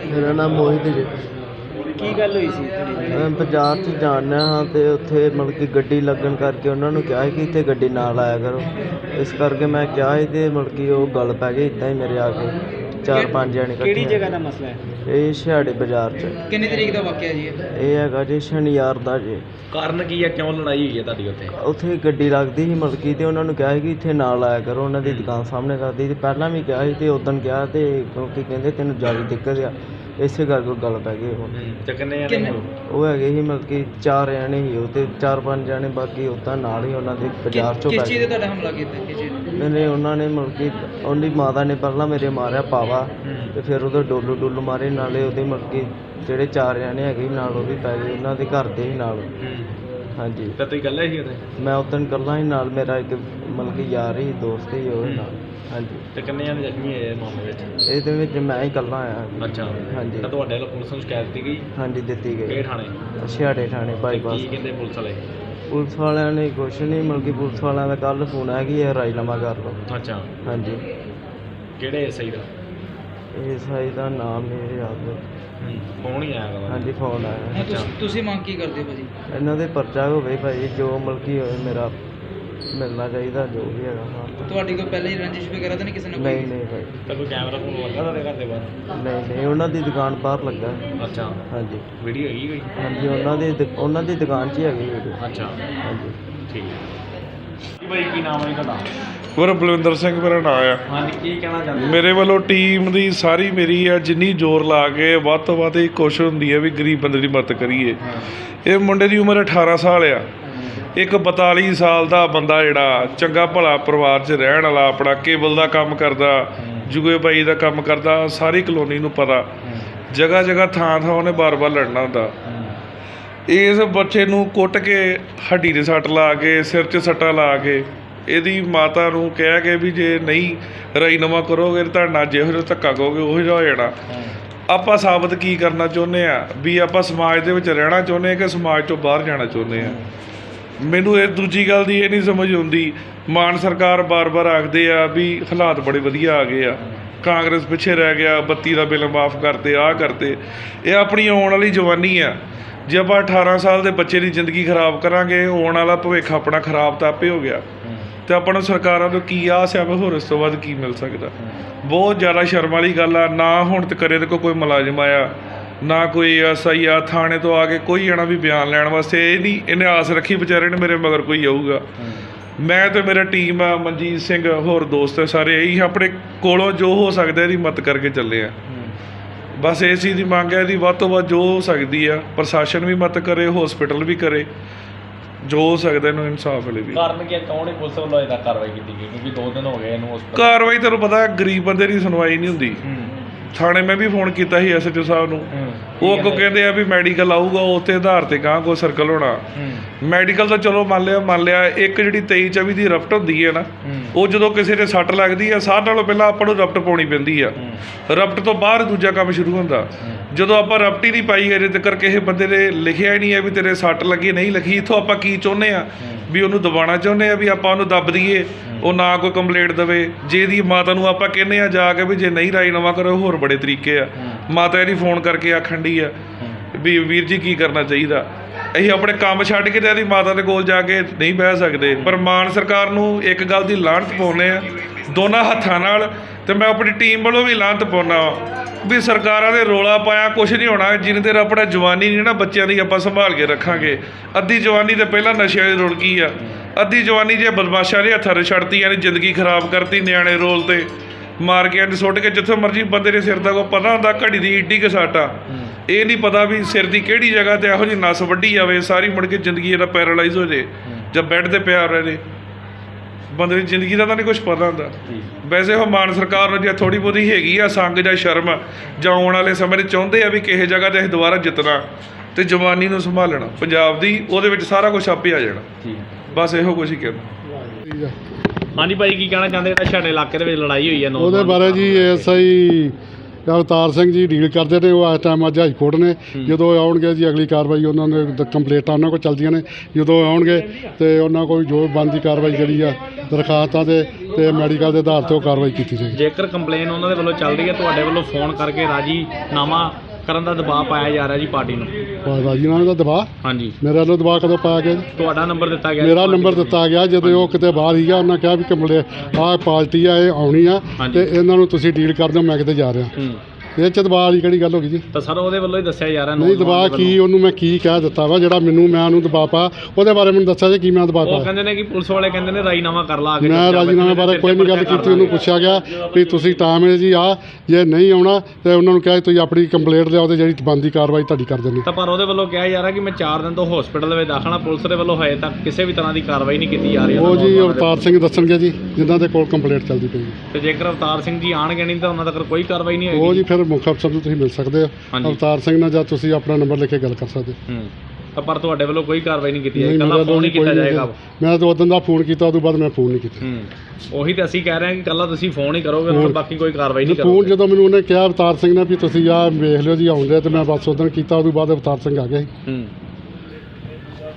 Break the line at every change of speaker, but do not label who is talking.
ਮੇਰਾ ਨਾਮ ਮੋਹਿਤ ਜੀ।
ਕੀ ਗੱਲ ਹੋਈ ਸੀ
ਮੈਂ ਬਾਜ਼ਾਰ 'ਚ ਜਾਣਾ ਹਾਂ ਅਤੇ ਉੱਥੇ ਮਤਲਬ ਕਿ ਗੱਡੀ ਲੱਗਣ ਕਰਕੇ ਉਹਨਾਂ ਨੂੰ ਕਿਹਾ ਕਿ ਇੱਥੇ ਗੱਡੀ ਨਾ ਲਾਇਆ ਕਰੋ। ਇਸ ਕਰਕੇ ਮੈਂ ਕਿਹਾ ਸੀ ਅਤੇ ਮਤਲਬ ਕਿ ਉਹ ਗੱਲ ਪੈ ਗਈ ਇੱਦਾਂ ਹੀ ਮੇਰੇ ਆ ਕੇ 4-5 ਜਣੇ
ਕਿਹੜੀ
ਇਕੱਠੇ।
ਜਗ੍ਹਾ ਦਾ ਮਸਲਾ ਹੈ?
ਇਹ ਛਿਹਾੜੇ ਬਾਜ਼ਾਰ 'ਚ।
ਕਿੰਨੀ ਤਰੀਕ ਦਾ ਵਾਕਿਆ ਜੀ
ਇਹ ਹੈਗਾ ਜੀ ਸ਼ਨੀਵਾਰ ਦਾ ਜੀ।
ਕਾਰਨ ਕੀ ਹੈ, ਕਿਉਂ ਲੜਾਈ ਹੋਈ ਹੈ ਤੁਹਾਡੀ ਉੱਥੇ?
ਉੱਥੇ ਗੱਡੀ ਲੱਗਦੀ ਸੀ ਮਤਲਬ ਕਿ ਅਤੇ ਉਹਨਾਂ ਨੂੰ ਕਿਹਾ ਸੀ ਕਿ ਇੱਥੇ ਨਾ ਲਾਇਆ ਕਰੋ, ਉਹਨਾਂ ਦੀ ਦੁਕਾਨ ਸਾਹਮਣੇ ਕਰਦੀ। ਅਤੇ ਪਹਿਲਾਂ ਵੀ ਕਿਹਾ ਸੀ ਅਤੇ ਉਦਣ ਕਿਹਾ ਅਤੇ ਕਿਉਂਕਿ ਕਹਿੰਦੇ ਤੈਨੂੰ ਜ਼ਿਆਦਾ ਦਿੱਕਤ ਆ, ਇਸੇ ਕਰਕੇ ਉਹ ਗੱਲ ਪੈ ਗਈ।
ਤੇ ਕਿੰਨੇ ਜਣੇ ਹੋ?
ਉਹ ਹੈਗੇ ਸੀ ਮਤਲਬ ਕਿ 4 ਜਣੇ ਸੀ ਉਹ, ਅਤੇ 4-5 ਜਣੇ ਬਾਕੀ ਉੱਦਾਂ ਨਾਲ ਹੀ ਉਹਨਾਂ ਦੇ ਬਾਜ਼ਾਰ 'ਚੋਂ
ਕਿਸ
ਪੈ
ਚੀਜ਼
ਗਏ।
ਦਾ ਤੁਹਾਡਾ ਹਮਲਾ ਕੀਤਾ? ਕਿਸ ਚੀਜ਼
ਮੈਨੇ ਉਹਨਾਂ ਨੇ ਮਤਲਬ ਕਿ ਉਹਦੀ ਮਾਤਾ ਨੇ ਪਹਿਲਾਂ ਮੇਰੇ ਮਾਰਿਆ ਪਾਵਾ ਅਤੇ ਫਿਰ ਉਹਦੇ ਡੁੱਲੂ ਮਾਰੇ, ਨਾਲੇ ਉਹਦੇ ਮਤਲਬ ਕਿ ਜਿਹੜੇ 4 ਜਣੇ ਹੈਗੇ ਸੀ ਨਾਲ ਉਹ ਵੀ ਪੈ ਗਏ, ਉਹਨਾਂ ਦੇ ਘਰ ਦੇ ਸੀ ਨਾਲ। ਹਾਂਜੀ।
ਤਾਂ ਤੁਸੀਂ ਇਕੱਲੇ ਸੀ ਉੱਥੇ?
ਮੈਂ ਉਦੋਂ ਇਕੱਲਾ ਸੀ, ਨਾਲ ਮੇਰਾ ਇੱਕ ਮਤਲਬ ਕਿ ਯਾਰ ਹੀ ਦੋਸਤ ਹੀ ਉਹ ਨਾਲ। ਹਾਂਜੀ।
ਤੇ ਕਿੰਨੇ ਜਣੇ ਜ਼ਖਮੀ ਹੋਏ ਇਸ ਮਾਮਲੇ ਵਿੱਚ?
ਇਹਦੇ ਵਿੱਚ ਮੈਂ ਹੀ ਇਕੱਲਾ ਆਇਆ।
ਅੱਛਾ।
ਹਾਂਜੀ।
ਤਾਂ ਤੁਹਾਡੇ ਵੱਲੋਂ ਪੁਲਿਸ ਨੂੰ ਸ਼ਿਕਾਇਤ ਦਿੱਤੀ ਗਈ?
ਹਾਂਜੀ ਦਿੱਤੀ
ਕਿਹੜੇ
ਗਈ।
ਥਾਣੇ?
ਛਿਹਾੜੇ ਥਾਣੇ ਬਾਈਪਾਸ।
ਕੀ ਕਹਿੰਦੇ ਪੁਲਿਸ ਵਾਲੇ?
ਪੁਲਿਸ ਵਾਲਿਆਂ ਨੇ ਕੁਛ ਨਹੀਂ ਮਤਲਬ ਕਿ ਪੁਲਿਸ ਵਾਲਿਆਂ ਦਾ ਕੱਲ੍ਹ ਫੋਨ ਆਇਆ ਕਿ ਇਹ ਰਾਜੀਨਾਮਾ ਕਰ ਲਓ।
ਅੱਛਾ।
ਹਾਂਜੀ।
ਕਿਹੜੇ ਸਹੀ ਦਾ?
ਇਹ ਸਾਈ ਦਾ ਨਾਮ ਮੇਰੇ ਯਾਦ ਹੈ।
ਫੋਨ ਹੀ ਆਇਆ ਵਾ?
ਹਾਂਜੀ ਫੋਨ ਆਇਆ।
ਤੁਸੀਂ ਮੰਗ ਕੀ ਕਰਦੇ ਹੋ ਭਾਜੀ?
ਇਹਨਾਂ ਦੇ ਪਰਚਾ ਹੋਵੇ ਭਾਈ, ਜੋ ਮਤਲਬ ਕਿ ਹੋਏ ਮੇਰਾ ਮਿਲਣਾ ਚਾਹੀਦਾ ਜੋ ਵੀ ਹੈਗਾ। ਹਾਂ।
ਤੁਹਾਡੀ ਕੋਈ ਪਹਿਲਾਂ ਹੀ ਰੰਜਿਸ਼ ਵਗੈਰਾ ਤਾਂ ਨਹੀਂ ਕਿਸੇ ਨਾਲ?
ਨਹੀਂ ਨਹੀਂ ਭਾਈ।
ਤਾਂ ਕੋਈ ਕੈਮਰਾ ਫੋਨ ਲੱਗਾ ਤੁਹਾਡੇ ਘਰ ਦੇ ਬਾਹਰ?
ਨਹੀਂ ਉਹਨਾਂ ਦੀ ਦੁਕਾਨ ਬਾਹਰ ਲੱਗਾ।
ਅੱਛਾ।
ਹਾਂਜੀ।
ਵੀਡੀਓ ਹੈਗੀ ਕੋਈ?
ਹਾਂਜੀ ਉਹਨਾਂ ਦੀ ਦੁਕਾਨ 'ਚ ਹੀ ਹੈਗੀ ਵੀਡੀਓ।
ਅੱਛਾ।
ਹਾਂਜੀ।
ਠੀਕ ਹੈ ਜੀ। ਭਾਈ ਕੀ ਨਾਮ ਹੈ ਜੀ ਤੁਹਾਡਾ?
ਮੇਰਾ ਬਲਵਿੰਦਰ ਸਿੰਘ ਮੇਰਾ ਨਾਂ ਆ।
ਹਾਂਜੀ, ਕੀ ਕਹਿਣਾ ਚਾਹੁੰਦੇ?
ਮੇਰੇ ਵੱਲੋਂ ਟੀਮ ਦੀ ਸਾਰੀ ਮੇਰੀ ਆ ਜਿੰਨੀ ਜ਼ੋਰ ਲਾ ਕੇ ਵੱਧ ਤੋਂ ਵੱਧ ਇਹ ਕੋਸ਼ਿਸ਼ ਹੁੰਦੀ ਹੈ ਵੀ ਗਰੀਬ ਬੰਦੇ ਦੀ ਮਦਦ ਕਰੀਏ। ਇਹ ਮੁੰਡੇ ਦੀ ਉਮਰ 18 ਸਾਲ ਆ। ਇੱਕ 42 ਸਾਲ ਦਾ ਬੰਦਾ ਜਿਹੜਾ ਚੰਗਾ ਭਲਾ ਪਰਿਵਾਰ 'ਚ ਰਹਿਣ ਵਾਲਾ, ਆਪਣਾ ਕੇਬਲ ਦਾ ਕੰਮ ਕਰਦਾ, ਜੁਗੇ ਬਾਈ ਦਾ ਕੰਮ ਕਰਦਾ, ਸਾਰੀ ਕਲੋਨੀ ਨੂੰ ਪਤਾ। ਜਗ੍ਹਾ ਜਗ੍ਹਾ ਥਾਂ ਉਹਨੇ ਬਾਰ-ਬਾਰ ਲੜਨਾ ਹੁੰਦਾ। ਇਸ ਬੱਚੇ ਨੂੰ ਕੁੱਟ ਕੇ ਹੱਡੀ ਦੇ ਸੱਟ ਲਾ ਕੇ, ਸਿਰ 'ਚ ਸੱਟਾਂ ਲਾ ਕੇ, ਇਹਦੀ ਮਾਤਾ ਨੂੰ ਕਹਿ ਕੇ ਵੀ ਜੇ ਨਹੀਂ ਰਾਜੀਨਾਮਾ ਕਰੋਗੇ ਤੁਹਾਡੇ ਨਾਲ ਜਿਹੋ ਜਿਹਾ ਧੱਕਾ ਕਹੋਗੇ ਉਹੋ ਜਿਹਾ ਹੋ ਜਾਣਾ। ਆਪਾਂ ਸਾਬਤ ਕੀ ਕਰਨਾ ਚਾਹੁੰਦੇ ਆ ਵੀ ਆਪਾਂ ਸਮਾਜ ਦੇ ਵਿੱਚ ਰਹਿਣਾ ਚਾਹੁੰਦੇ ਹਾਂ ਕਿ ਸਮਾਜ ਤੋਂ ਬਾਹਰ ਜਾਣਾ ਚਾਹੁੰਦੇ ਆ। ਮੈਨੂੰ ਇਹ ਦੂਜੀ ਗੱਲ ਦੀ ਇਹ ਨਹੀਂ ਸਮਝ ਆਉਂਦੀ। ਮਾਨ ਸਰਕਾਰ ਬਾਰ-ਬਾਰ ਆਖਦੇ ਆ ਵੀ ਹਾਲਾਤ ਬੜੇ ਵਧੀਆ ਆ ਗਏ ਆ, ਕਾਂਗਰਸ ਪਿੱਛੇ ਰਹਿ ਗਿਆ, ਬੱਤੀ ਦਾ ਬਿੱਲ ਮਾਫ ਕਰਤੇ, ਆਹ ਕਰਤੇ। ਇਹ ਆਪਣੀ ਆਉਣ ਵਾਲੀ ਜਵਾਨੀ ਆ। ਜੇ ਆਪਾਂ 18 ਸਾਲ ਦੇ ਬੱਚੇ ਦੀ ਜ਼ਿੰਦਗੀ ਖਰਾਬ ਕਰਾਂਗੇ, ਆਉਣ ਵਾਲਾ ਭਵਿੱਖ ਆਪਣਾ ਖਰਾਬ ਤਾਂ ਆਪੇ ਹੋ ਗਿਆ। ਅਤੇ ਆਪਾਂ ਨੂੰ ਸਰਕਾਰਾਂ ਤੋਂ ਕੀ ਆਸ ਆ ਵੀ ਹੋਰ ਇਸ ਤੋਂ ਵੱਧ ਕੀ ਮਿਲ ਸਕਦਾ। ਬਹੁਤ ਜ਼ਿਆਦਾ ਸ਼ਰਮ ਵਾਲੀ ਗੱਲ ਆ। ਨਾ ਹੁਣ ਤੱਕ ਇਹਦੇ ਕੋਲ ਕੋਈ ਮੁਲਾਜ਼ਮ ਆਇਆ, ਨਾ ਕੋਈ SI ਆ ਥਾਣੇ ਤੋਂ ਆ ਕੇ ਕੋਈ ਜਾਣਾ ਵੀ ਬਿਆਨ ਲੈਣ ਵਾਸਤੇ। ਇਹ ਨਹੀਂ ਇਹਨੇ ਆਸ ਰੱਖੀ ਵਿਚਾਰੇ ਨੇ ਮੇਰੇ ਮਗਰ ਕੋਈ ਆਊਗਾ। ਮੈਂ ਅਤੇ ਮੇਰਾ ਟੀਮ ਆ, ਮਨਜੀਤ ਸਿੰਘ ਹੋਰ ਦੋਸਤ ਸਾਰੇ, ਇਹੀ ਆਪਣੇ ਕੋਲੋਂ ਜੋ ਹੋ ਸਕਦਾ ਇਹਦੀ ਮਦਦ ਕਰਕੇ ਚੱਲੇ ਆ। ਬਸ ਇਸ ਚੀਜ਼ ਦੀ ਮੰਗ ਹੈ, ਇਹਦੀ ਵੱਧ ਤੋਂ ਵੱਧ ਜੋ ਹੋ ਸਕਦੀ ਆ ਪ੍ਰਸ਼ਾਸਨ ਵੀ ਮਦਦ ਕਰੇ, ਹੌਸਪੀਟਲ ਵੀ ਕਰੇ, ਜੋ ਹੋ ਸਕਦਾ ਇਹਨੂੰ ਇਨਸਾਫ ਮਿਲੇ ਵੀ।
ਕਾਰਨ ਕੀ ਹੈ, ਕੌਣ ਪੁਲਿਸ ਵੱਲੋਂ ਇਹਦਾ ਕਾਰਵਾਈ ਕੀਤੀ ਗਈ? ਕਿਉਂਕਿ 2 ਦਿਨ ਹੋ ਗਏ ਇਹਨੂੰ
ਕਾਰਵਾਈ ਤੁਹਾਨੂੰ ਪਤਾ ਗਰੀਬ ਬੰਦੇ ਦੀ ਸੁਣਵਾਈ ਨਹੀਂ ਹੁੰਦੀ। ਥਾਣੇ ਮੈਂ ਵੀ ਫੋਨ ਕੀਤਾ ਸੀ SHO ਸਾਹਿਬ ਨੂੰ। ਉਹ ਅੱਗੋਂ ਕਹਿੰਦੇ ਆ ਵੀ ਮੈਡੀਕਲ ਆਊਗਾ, ਉੱਥੇ ਆਧਾਰ 'ਤੇ ਗਾਂਹ ਕੋਈ ਸਰਕਲ ਹੋਣਾ। ਮੈਡੀਕਲ ਤਾਂ ਚਲੋ ਮੰਨ ਲਿਆ। ਇੱਕ ਜਿਹੜੀ 23-24 ਦੀ ਰਫਟ ਹੁੰਦੀ ਹੈ ਨਾ, ਉਹ ਜਦੋਂ ਕਿਸੇ ਦੇ ਸੱਟ ਲੱਗਦੀ ਆ ਸਾਰਿਆਂ ਨਾਲੋਂ ਪਹਿਲਾਂ ਆਪਾਂ ਨੂੰ ਰਫਟ ਪਾਉਣੀ ਪੈਂਦੀ ਆ। ਰਫਟ ਤੋਂ ਬਾਅਦ ਦੂਜਾ ਕੰਮ ਸ਼ੁਰੂ ਹੁੰਦਾ। ਜਦੋਂ ਆਪਾਂ ਰਫਟ ਹੀ ਨਹੀਂ ਪਾਈ ਅਜੇ ਤੱਕ ਕਿਸੇ ਬੰਦੇ ਨੇ ਲਿਖਿਆ ਹੀ ਨਹੀਂ ਹੈ ਵੀ ਤੇਰੇ ਸੱਟ ਲੱਗੀ ਨਹੀਂ ਲੱਗੀ। ਇੱਥੋਂ ਆਪਾਂ ਕੀ ਚਾਹੁੰਦੇ ਆ ਵੀ ਉਹਨੂੰ ਦਬਾਉਣਾ ਚਾਹੁੰਦੇ ਆ ਵੀ ਆਪਾਂ ਉਹਨੂੰ ਦੱਬ ਦਈਏ, ਉਹ ਨਾ ਕੋਈ ਕੰਪਲੇਂਟ ਦੇਵੇ। ਜੇ ਇਹਦੀ ਮਾਤਾ ਨੂੰ ਆਪਾਂ ਕਹਿੰਦੇ ਆ ਜਾ ਕੇ ਵੀ ਜੇ ਨਹੀਂ ਰਾਜੀਨਾਮਾ ਕਰੋ ਹੋਰ ਬੜੇ ਤਰੀਕੇ ਆ। ਮਾਤਾ ਇਹਦੀ ਫੋਨ ਕਰਕੇ ਆਖਣ ਡਈ ਆ ਵੀ ਵੀਰ ਜੀ ਕੀ ਕਰਨਾ ਚਾਹੀਦਾ। ਅਸੀਂ ਆਪਣੇ ਕੰਮ ਛੱਡ ਕੇ ਤੇ ਇਹਦੀ ਮਾਤਾ ਦੇ ਕੋਲ ਜਾ ਕੇ ਨਹੀਂ ਬਹਿ ਸਕਦੇ। ਪਰ ਮਾਨ ਸਰਕਾਰ ਨੂੰ ਇੱਕ ਗੱਲ ਦੀ ਲਾਹਨਤ ਪਾਉਂਦੇ ਆ ਦੋਨਾਂ ਹੱਥਾਂ ਨਾਲ, ਅਤੇ ਮੈਂ ਆਪਣੀ ਟੀਮ ਵੱਲੋਂ ਵੀ ਲਾਹਨਤ ਪਾਉਂਦਾ ਵੀ ਸਰਕਾਰਾਂ ਦੇ ਰੌਲਾ ਪਾਇਆ ਕੁਛ ਨਹੀਂ ਹੋਣਾ ਜਿੰਨੀ ਦੇਰ ਆਪਣਾ ਜਵਾਨੀ ਨਹੀਂ ਨਾ ਬੱਚਿਆਂ ਦੀ ਆਪਾਂ ਸੰਭਾਲ ਕੇ ਰੱਖਾਂਗੇ। ਅੱਧੀ ਜਵਾਨੀ ਤਾਂ ਪਹਿਲਾਂ ਨਸ਼ਿਆਂ ਦੀ ਰੁੜਕੀ ਆ। ਅੱਧੀ ਜਵਾਨੀ ਜੇ ਬਦਮਾਸ਼ਾਂ ਦੇ ਹੱਥਾਂ 'ਚ ਛੱਡਤੀ, ਯਾਨੀ ਜ਼ਿੰਦਗੀ ਖਰਾਬ ਕਰਤੀ, ਨਿਆਣੇ ਰੋਲ 'ਤੇ ਮਾਰ ਕੇ ਸੁੱਟ ਕੇ ਜਿੱਥੇ ਮਰਜ਼ੀ ਬੰਦੇ ਦੇ ਸਿਰ ਦਾ ਕੋਈ ਪਤਾ ਹੁੰਦਾ ਘੜੀ ਦੀ ਏਡੀ ਕੁ ਸੱਟ ਆ। ਇਹ ਨਹੀਂ ਪਤਾ ਵੀ ਸਿਰ ਦੀ ਕਿਹੜੀ ਜਗ੍ਹਾ 'ਤੇ ਇਹੋ ਜਿਹੀ ਨਸ ਵੱਢੀ ਜਾਵੇ ਸਾਰੀ ਮੁੜ ਕੇ ਜ਼ਿੰਦਗੀ ਇਹਦਾ ਪੈਰਾਲਾਈਜ਼ ਹੋ ਜੇ ਜਾਂ ਬੈੱਡ 'ਤੇ ਪਿਆ ਰਹੇ। ਬੰਦੇ ਦੀ ਜ਼ਿੰਦਗੀ ਦਾ ਤਾਂ ਨਹੀਂ ਕੁਛ ਪਤਾ ਹੁੰਦਾ। ਵੈਸੇ ਉਹ ਮਾਨ ਸਰਕਾਰ ਨੂੰ ਜੇ ਥੋੜ੍ਹੀ ਬਹੁਤੀ ਹੈਗੀ ਆ ਸੰਗ ਜਾਂ ਸ਼ਰਮ ਜਾਂ ਆਉਣ ਵਾਲੇ ਸਮੇਂ 'ਚ ਚਾਹੁੰਦੇ ਆ ਵੀ ਕਿਸੇ ਜਗ੍ਹਾ 'ਤੇ ਅਸੀਂ ਦੁਬਾਰਾ ਜਿੱਤਣਾ ਅਤੇ ਜਵਾਨੀ ਨੂੰ ਸੰਭਾਲਣਾ ਪੰਜਾਬ ਦੀ, ਉਹਦੇ ਵਿੱਚ ਸਾਰਾ ਕੁਛ ਆਪੇ ਆ ਜਾਣਾ। ਬਸ ਇਹੋ ਕੁਛ ਹੀ ਕਹਿਣਾ।
ਹਾਂਜੀ ਭਾਈ ਕੀ ਕਹਿਣਾ ਚਾਹੁੰਦੇ? ਜਿਹੜਾ ਛਾੜੇ ਇਲਾਕੇ ਦੇ ਵਿੱਚ ਲੜਾਈ ਹੋਈ ਹੈ
ਉਹਦੇ ਬਾਰੇ ਜੀ SI ਅਵਤਾਰ ਸਿੰਘ ਜੀ ਡੀਲ ਕਰਦੇ ਨੇ, ਉਹ ਇਸ ਟਾਈਮ ਅੱਜ ਹਾਈ ਕੋਰਟ ਨੇ। ਜਦੋਂ ਆਉਣਗੇ ਜੀ ਅਗਲੀ ਕਾਰਵਾਈ ਉਹਨਾਂ ਨੇ ਕੰਪਲੇਂਟਾਂ ਉਹਨਾਂ ਕੋਲ ਚੱਲਦੀਆਂ ਨੇ, ਜਦੋਂ ਆਉਣਗੇ ਤੇ ਉਹਨਾਂ ਕੋਲ ਜੋ ਬਣਦੀ ਕਾਰਵਾਈ ਜਿਹੜੀ ਆ ਦਰਖਾਸਤਾਂ ਤੇ ਮੈਡੀਕਲ ਦੇ ਆਧਾਰ 'ਤੇ ਉਹ ਕਾਰਵਾਈ ਕੀਤੀ ਜਾਏਗੀ।
ਜੇਕਰ ਕੰਪਲੇਨ ਉਹਨਾਂ ਦੇ ਵੱਲੋਂ ਚੱਲ ਰਹੀ ਹੈ, ਤੁਹਾਡੇ ਵੱਲੋਂ ਫੋਨ ਕਰਕੇ ਰਾਜੀਨਾਮਾ ਕਰਨ ਦਾ ਦਬਾਅ ਪਾਇਆ ਜਾ ਰਿਹਾ ਜੀ ਪਾਰਟੀ ਨੂੰ?
ਰਾਜੀਨਾਮੇ ਦਾ ਦਬਾਅ?
ਹਾਂਜੀ।
ਮੇਰੇ ਵੱਲੋਂ ਦਬਾਅ ਕਦੋਂ ਪਾਇਆ ਗਿਆ ਜੀ?
ਤੁਹਾਡਾ ਨੰਬਰ ਦਿੱਤਾ ਗਿਆ?
ਮੇਰਾ ਨੰਬਰ ਦਿੱਤਾ ਗਿਆ ਜਦੋਂ ਉਹ ਕਿਤੇ ਬਾਹਰ ਸੀਗਾ, ਉਹਨਾਂ ਕਿਹਾ ਵੀ ਕੰਪਲੇਂਟ ਆਹ ਪਾਰਟੀ ਆ, ਇਹ ਆਉਣੀ ਆ ਤੇ ਇਹਨਾਂ ਨੂੰ ਤੁਸੀਂ ਡੀਲ ਕਰ ਦਿਓ, ਮੈਂ ਕਿਤੇ ਜਾ ਰਿਹਾ। ਇਹ 'ਚ ਦਬਾਅ ਵਾਲੀ ਕਿਹੜੀ ਗੱਲ ਹੋ ਗਈ ਜੀ?
ਤਾਂ ਸਰ ਉਹਦੇ ਵੱਲੋਂ ਹੀ ਦੱਸਿਆ ਜਾ ਰਿਹਾ।
ਨਹੀਂ ਦਬਾਅ ਕੀ, ਉਹਨੂੰ ਮੈਂ ਕੀ ਕਹਿ ਦਿੱਤਾ ਵਾ ਜਿਹੜਾ ਮੈਂ ਉਹਨੂੰ ਦਬਾਅ ਪਾ, ਉਹਦੇ ਬਾਰੇ ਮੈਨੂੰ ਦੱਸਿਆ ਜੀ ਕੀ ਮੈਂ ਦਬਾਅ
ਉਹ
ਪਾਇਆ?
ਕਹਿੰਦੇ ਨੇ ਕਿ ਪੁਲਿਸ ਵਾਲੇ ਕਹਿੰਦੇ ਨੇ ਰਾਜੀਨਾਮਾ ਕਰ ਲਾ ਕੇ।
ਮੈਂ ਰਾਜੀਨਾਮੇ ਬਾਰੇ ਕੋਈ ਨਹੀਂ ਗੱਲ ਕੀਤੀ। ਉਹਨੂੰ ਪੁੱਛਿਆ ਗਿਆ ਵੀ ਤੁਸੀਂ ਟਾਈਮ ਹੈ ਜੀ ਆ, ਜੇ ਨਹੀਂ ਆਉਣਾ ਤੇ ਉਹਨਾਂ ਨੂੰ ਕਿਹਾ ਤੁਸੀਂ ਆਪਣੀ ਕੰਪਲੇਂਟ ਲਿਆਓ ਤੇ ਜਿਹੜੀ ਬਣਦੀ ਕਾਰਵਾਈ ਤੁਹਾਡੀ ਕਰ ਦਿੰਦੇ।
ਤਾਂ ਪਰ ਉਹਦੇ ਵੱਲੋਂ ਕਿਹਾ ਜਾ ਰਿਹਾ ਕਿ ਮੈਂ 4 ਦਿਨ ਤੋਂ ਹਸਪੀਟਲ ਦੇ ਵਿੱਚ ਦਾਖਲ ਹਾਂ, ਪੁਲਿਸ ਦੇ ਵੱਲੋਂ ਹਜੇ ਤੱਕ ਕਿਸੇ ਵੀ ਤਰ੍ਹਾਂ ਦੀ ਕਾਰਵਾਈ ਨਹੀਂ ਕੀਤੀ ਜਾ ਰਹੀ।
ਉਹ ਜੀ ਅਵਤਾਰ ਸਿੰਘ ਦੱਸਣਗੇ ਜੀ, ਜਿਨ੍ਹਾਂ ਦੇ ਕੋਲ ਕੰਪਲੇਂਟ ਚੱਲਦੀ ਪਈ।
ਤੇ ਜੇਕਰ ਅਵਤਾਰ ਸਿੰਘ ਜੀ ਆਣਗੇ ਨਹੀਂ ਤਾਂ ਉਹਨਾਂ ਤੱਕ ਕੋਈ ਕਾਰਵਾਈ ਨਹੀਂ ਹੋਏਗੀ?
ਉਹ ਜੀ ਫਿਰ ਮੁੱਖ ਅਫਸਰ ਨੂੰ ਤੁਸੀਂ ਮਿਲ ਸਕਦੇ ਹੋ ਅਵਤਾਰ ਸਿੰਘ ਨਾਲ, ਜਾਂ ਤੁਸੀਂ ਆਪਣਾ ਨੰਬਰ ਲਿਖ ਕੇ ਗੱਲ ਕਰ ਸਕਦੇ ਹੋ।
ਤਾਂ ਪਰ ਤੁਹਾਡੇ ਵੱਲੋਂ ਕੋਈ ਕਾਰਵਾਈ ਨਹੀਂ ਕੀਤੀ ਜਾਏਗੀ? ਕੱਲਾ ਫੋਨ ਹੀ ਕੀਤਾ ਜਾਏਗਾ?
ਮੈਂ ਤਾਂ ਉਦੋਂ ਦਾ ਫੋਨ ਕੀਤਾ, ਉਦੋਂ ਬਾਅਦ ਮੈਂ ਫੋਨ ਨਹੀਂ ਕੀਤਾ।
ਉਹੀ ਤਾਂ ਅਸੀਂ ਕਹਿ ਰਹੇ ਹਾਂ ਕਿ ਕੱਲਾ ਤੁਸੀਂ ਫੋਨ ਹੀ ਕਰੋਗੇ, ਹੋਰ ਬਾਕੀ ਕੋਈ ਕਾਰਵਾਈ ਨਹੀਂ ਕਰੋਗੇ?
ਫੋਨ ਜਦੋਂ ਮੈਨੂੰ ਉਹਨੇ ਕਿਹਾ ਅਵਤਾਰ ਸਿੰਘ ਨੇ ਵੀ ਤੁਸੀਂ ਆਹ ਵੇਖ ਲਿਓ ਜੀ ਆਉਂਦੇ, ਤੇ ਮੈਂ ਬਸ ਉਦੋਂ ਕੀਤਾ, ਉਦੋਂ ਬਾਅਦ ਅਵਤਾਰ ਸਿੰਘ ਆ ਗਿਆ ਸੀ।